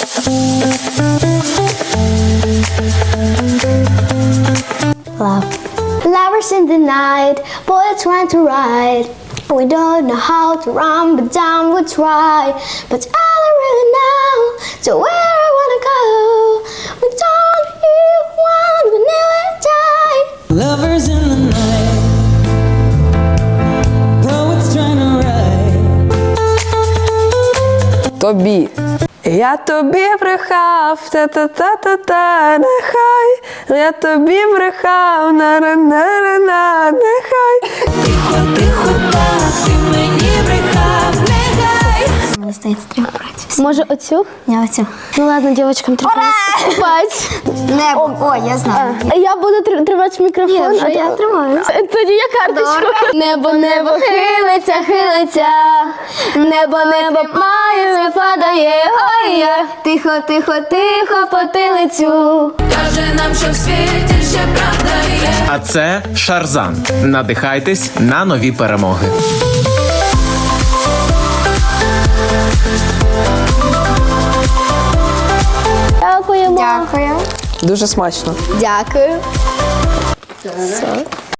Love. Lovers in the night, boys trying to ride. We don't know how to run, but down we try. But I don't really know to where I wanna go. We don't hear one, we nearly die. Lovers in the night, poets trying to write. Тобі. Я тобі брехав, та-та-та-та-та, нехай. Я тобі брехав, на-на-на-на, нехай. Тихо, тихо, так, ти мені брехав, нехай. Мені здається, треба брати. Може оцю? Я оцю. Ну ладно, дівчаткам треба купати. Небо. О, я знаю. Я буду тримати мікрофон. Ні, вже я тримаю. Тоді я карточку. Небо, небо хилиться, хилиться. Небо, небо має, падає, ой. Тихо, тихо, тихо, потилицю. Каже нам, що в світі ще правда є. А це Шарзан. Надихайтесь на нові перемоги. Дякуємо. Дякую. Дуже смачно. Дякую. Все.